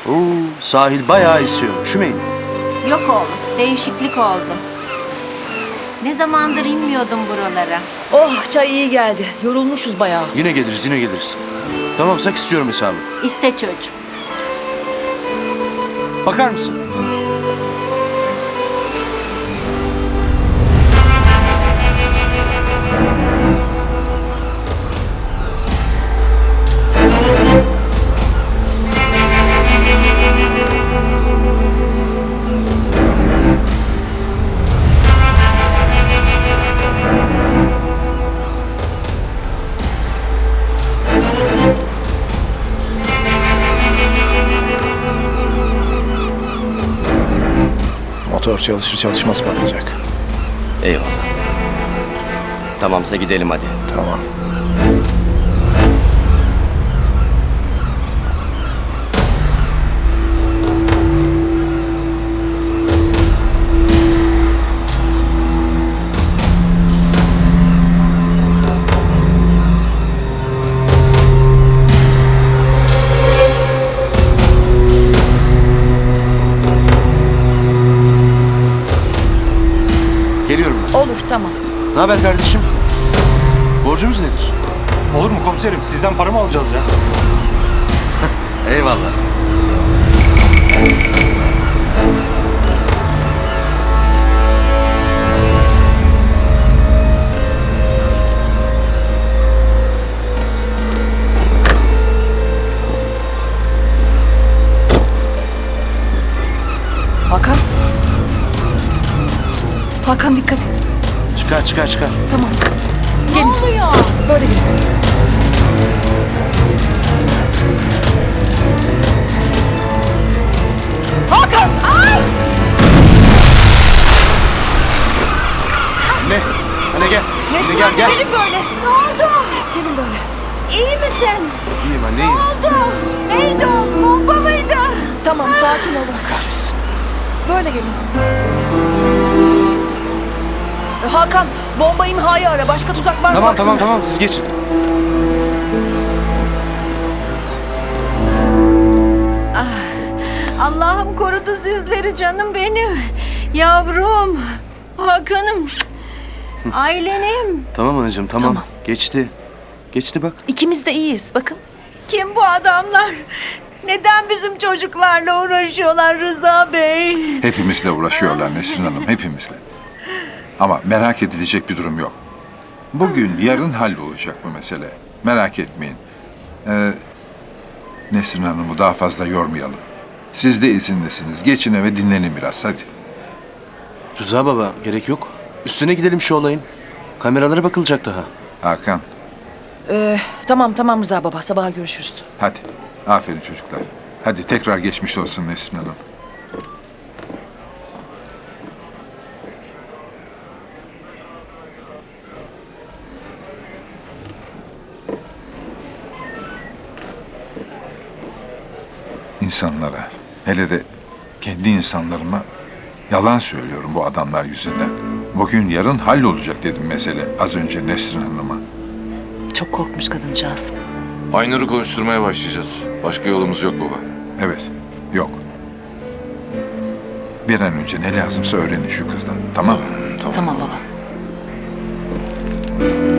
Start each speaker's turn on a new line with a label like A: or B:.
A: Sahil bayağı esiyor. Üşümeyin.
B: Yok oğlum, değişiklik oldu. Ne zamandır inmiyordum buralara.
C: Oh, çay iyi geldi. Yorulmuşuz bayağı.
A: Yine geliriz, yine geliriz. Tamamsak istiyorum hesabı.
B: İste çocuğum.
A: Bakar mısın?
D: Motor çalışır çalışmaz patlayacak.
E: Eyvallah. Tamamsa gidelim hadi.
D: Tamam.
A: Geliyorum ben.
C: Olur, tamam.
A: Ne haber kardeşim? Borcumuz nedir?
F: Olur mu komiserim? Sizden para mı alacağız ya?
A: Eyvallah.
C: Hakan. Hakan dikkat et.
A: Çıkar, çıkar, çıkar.
C: Tamam.
B: Ne
C: Gelin.
B: oluyor?
C: Böyle gelin. Hakan! Ay!
A: Ne? Anne gel.
C: Nesrin
A: gel,
C: anne,
A: gel.
C: gelin böyle.
B: Ne oldu?
C: Gelin böyle.
B: İyi misin?
A: İyiyim anne,
B: Ne
A: iyiyim.
B: oldu? Neydi o? Bomba mıydı?
C: Tamam, sakin olun.
A: Kahretsin.
C: Böyle gelin. Hakan, bomba imhayı ara. Başka tuzak var mı
A: Tamam,
C: baksana.
A: tamam, siz geçin.
B: Allah'ım korudu sizleri canım benim. Yavrum. Hakan'ım. Ailenim.
A: Tamam anacığım, tamam.
C: Tamam.
A: Geçti. Geçti bak.
C: İkimiz de iyiyiz. Bakın.
B: Kim bu adamlar? Neden bizim çocuklarla uğraşıyorlar Rıza Bey?
G: Hepimizle uğraşıyorlar Nesrin Hanım, hepimizle. Ama merak edilecek bir durum yok. Bugün, yarın hallolacak bu mesele. Merak etmeyin. Nesrin Hanım'ı daha fazla yormayalım. Siz de izinlisiniz. Geçin eve dinlenin biraz, hadi.
A: Rıza baba, gerek yok. Üstüne gidelim şu olayın. Kameralara bakılacak daha.
G: Hakan,
C: Tamam Rıza baba. Sabaha görüşürüz.
G: hadi. Aferin çocuklar. Hadi tekrar geçmiş olsun Nesrin Hanım. İnsanlara, hele de kendi insanlarıma yalan söylüyorum bu adamlar yüzünden. Bugün yarın hallolacak dedim mesele az önce Nesrin Hanım'a.
C: Çok korkmuş kadıncağız.
H: Aynur'u konuşturmaya başlayacağız. Başka yolumuz yok baba.
G: Evet, yok. Bir an önce ne lazımsa öğrenin şu kızdan, tamam mı?
C: Tamam baba.